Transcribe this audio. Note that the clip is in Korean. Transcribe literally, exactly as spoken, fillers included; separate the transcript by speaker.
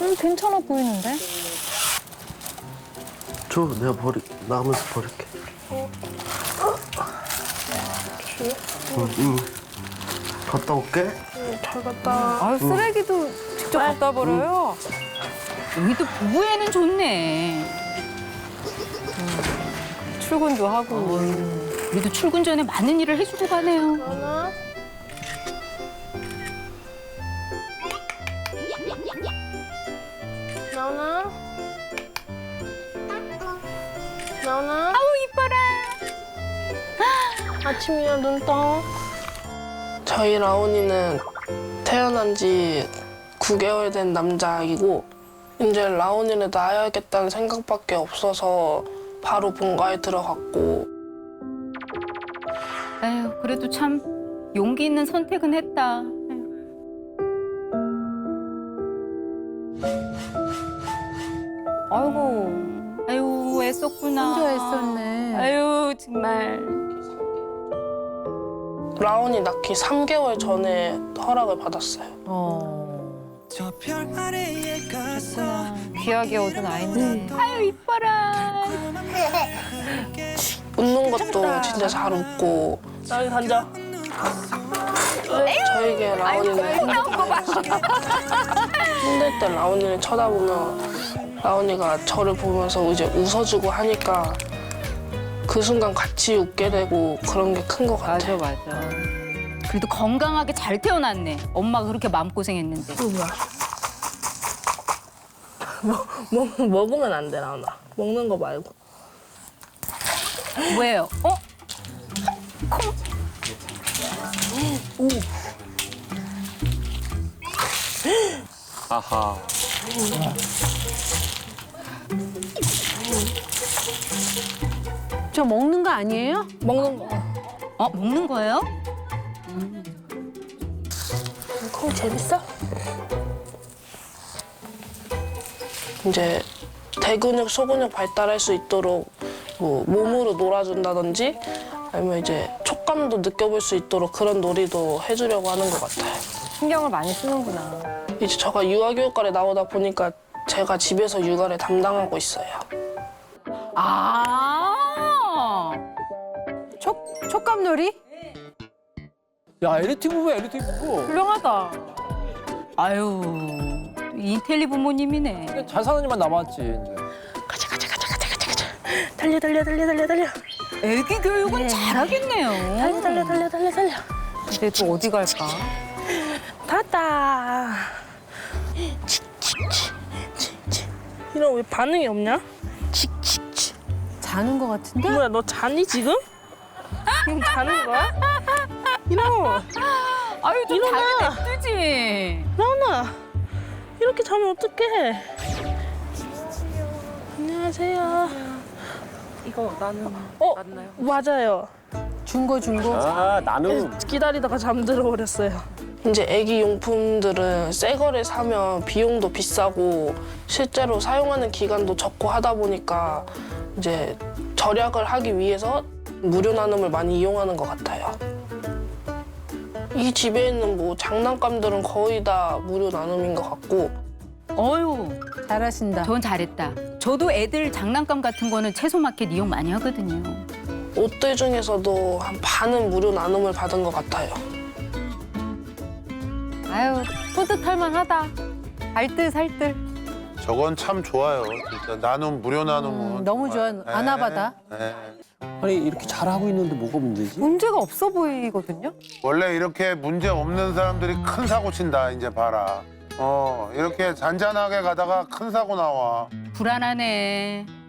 Speaker 1: 음, 괜찮아 보이는데?
Speaker 2: 줘, 내가 버리, 나오면서 버릴게. 어? 응, 응. 갔다 올게.
Speaker 3: 잘 갔다.
Speaker 1: 아, 쓰레기도 직접 갖다 버려요?
Speaker 4: 여기도 부부애는 좋네.
Speaker 1: 출근도 하고.
Speaker 4: 우리도 출근 전에 많은 일을 해주고 가네요.
Speaker 3: 나나? 나나? 나나?
Speaker 4: 아우 이뻐라.
Speaker 3: 아침이야, 눈 떠. 저희 라온이는 태어난 지 구 개월 된 남자아기고 이제 라온이를 낳아야겠다는 생각밖에 없어서 바로 본가에 들어갔고
Speaker 4: 에휴 그래도 참 용기 있는 선택은 했다.
Speaker 1: 아이고,
Speaker 4: 아유 애썼구나.
Speaker 1: 혼자 애썼네.
Speaker 4: 아유 정말.
Speaker 3: 라온이 낳기 삼 개월 전에 허락을 받았어요.
Speaker 1: 어. 귀하게 얻은 아이네.
Speaker 4: 아유 이뻐라.
Speaker 3: 웃는 것도 진짜 잘 웃고 여기 앉아. 저에게 라온이는 힘들 때 라온이를 쳐다보면 라온이가 저를 보면서 이제 웃어주고 하니까 그 순간 같이 웃게 되고 그런 게 큰 것 같아요.
Speaker 1: 맞아, 맞아.
Speaker 4: 그래도 건강하게 잘 태어났네. 엄마가 그렇게 마음고생했는데.
Speaker 3: 먹, 먹으면 안 돼, 라온아. 먹는 거 말고.
Speaker 4: 왜요? 어? 콩. 오.
Speaker 5: 아하.
Speaker 1: 저 먹는 거 아니에요?
Speaker 3: 먹는 거.
Speaker 4: 어 먹는 거예요?
Speaker 3: 콩 재밌어? 이제 대근육, 소근육 발달할 수 있도록 뭐 몸으로 놀아준다든지 아니면 이제 촉감도 느껴볼 수 있도록 그런 놀이도 해주려고 하는 것 같아요.
Speaker 1: 신경을 많이 쓰는구나.
Speaker 3: 이제 제가 육아교육과에 나오다 보니까 제가 집에서 육아를 담당하고 있어요.
Speaker 4: 아.
Speaker 1: 촉, 촉감놀이?
Speaker 5: 야, 엘리트 부부야, 엘리트 부부.
Speaker 1: 훌륭하다.
Speaker 4: 아유 인텔리 부모님이네.
Speaker 5: 근데 잘 사는 일만 남았지, 이제.
Speaker 3: 가자 가자 가자 가자 가자 가자. 달려 달려 달려 달려 달려.
Speaker 4: 애기 교육은 잘하겠네요.
Speaker 3: 달려 달려 달려 달려 달려.
Speaker 1: 근데 또 어디 갈까?
Speaker 3: 탔다. 이런 왜 반응이 없냐? 칙칙칙.
Speaker 1: 자는 거 같은데?
Speaker 3: 뭐야 너 자니 지금? 지금 자는 거야? 이런
Speaker 4: 아유 좀
Speaker 3: 일어나.
Speaker 4: 자게 냅두지.
Speaker 3: 라온아 이렇게 자면 어떡해? 안녕하세요. 이거 나는 어 맞나요? 맞아요.
Speaker 1: 준거 준거?
Speaker 5: 아, 나는.
Speaker 3: 기다리다가 잠들어 버렸어요. 이제 애기 용품들은 새 거를 사면 비용도 비싸고 실제로 사용하는 기간도 적고 하다 보니까 이제 절약을 하기 위해서 무료 나눔을 많이 이용하는 것 같아요. 이 집에 있는 뭐 장난감들은 거의 다 무료 나눔인 것 같고
Speaker 4: 어유
Speaker 1: 잘하신다.
Speaker 4: 전 잘했다. 저도 애들 장난감 같은 거는 채소마켓 이용 많이 하거든요.
Speaker 3: 옷들 중에서도 한 반은 무료 나눔을 받은 것 같아요.
Speaker 1: 아유, 뿌듯할 만하다. 알뜰 살뜰.
Speaker 6: 저건 참 좋아요. 진짜 나눔 무료 나눔은
Speaker 1: 음, 너무 좋아.
Speaker 6: 정말.
Speaker 1: 아나바다.
Speaker 6: 네, 네.
Speaker 5: 아니, 이렇게 잘하고 있는데 뭐가 문제지?
Speaker 1: 문제가 없어 보이거든요?
Speaker 6: 원래 이렇게 문제 없는 사람들이 큰 사고 친다. 이제 봐라. 어 이렇게 잔잔하게 가다가 큰 사고 나와.
Speaker 4: 불안하네.